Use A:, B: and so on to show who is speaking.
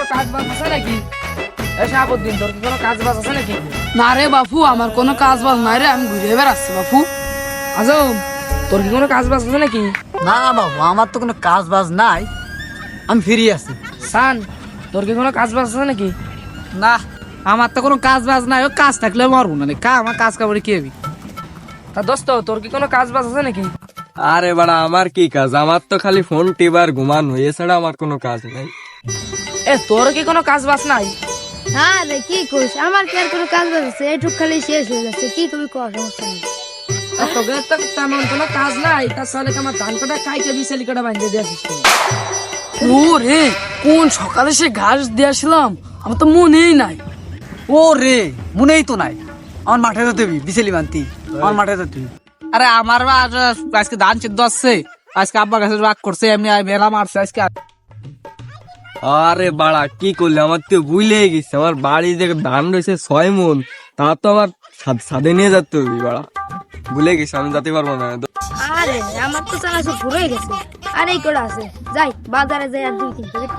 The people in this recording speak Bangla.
A: কাজ বাজ আছে নাকি? এই শাহাবুদ্দিন, তোর কি কোনো কাজ বাজ আছে নাকি?
B: না রে বাপু, আমার কোনো কাজ বাজ নাই রে, আমি ঘুরে বেড়াচ্ছি বাপু।
A: আজম, তোর কি কোনো কাজ বাজ আছে নাকি?
C: না বাবু, আমার তো কোনো কাজ বাজ নাই, আমি ফ্রি আছি।
A: সান, তোর কি কোনো কাজ বাজ আছে নাকি?
D: না, আমার তো কোনো কাজ বাজ নাই, ও কাজ থাকলে মরবো না, আমার কাজ কামড়ে কি হবি?
A: তা দোস্ত, তোর কি কোনো কাজ বাজ আছে নাকি?
E: আরে বাড়া, আমার কি কাজ? আমার তো খালি ফোন টিপার ঘুমানো, এছাড়া আমার কোনো কাজ নেই।
A: এ, তোর কি কোনো কাজ বাজ নাই?
F: হ্যাঁ রে, কি করিস? আমার কি আর কোনো কাজ বাজ আছে? এইটুক খালি শেষ হয়ে যাচ্ছে, কি কবি কর, সমস্যা নেই।
A: তা তোকে তো তেমন কোনো কাজ নাই, তাহলে আমার ধান কাটা খাইকে বিশালি কাটা বাঁধতে দিয়েছিস তুই।
B: ও রে, কোন সকালে সে ঘাস দিয়েছিলাম, আমার তো মনেই নাই।
C: ও রে, মনেই তো নাই। আমার মাঠে যেতে হবি, বিছেলি বান্তি, আমার মাঠে যেতে হবি।
D: আরে আমার আজকে ধান সিদ্ধ আসছে, আজকে আব্বা গাছে রাগ করছে, এমনি মেলা মারছে আজকে।
E: আরে বাড়া, কি করলে? আমার তো ভুলেই গেছে, আমার বাড়ি থেকে ধান রয়েছে 6 মণ, তা তো আমার সাদে নিয়ে যেতে হবে বাড়া। ভুলে গেছি, আমি যেতে পারবো না।
F: আরে আমার তো চানা সব ঘুরে গেছে, আর এই করে আছে, যাই বাজারে যাই আর 2-3 প্যাকেট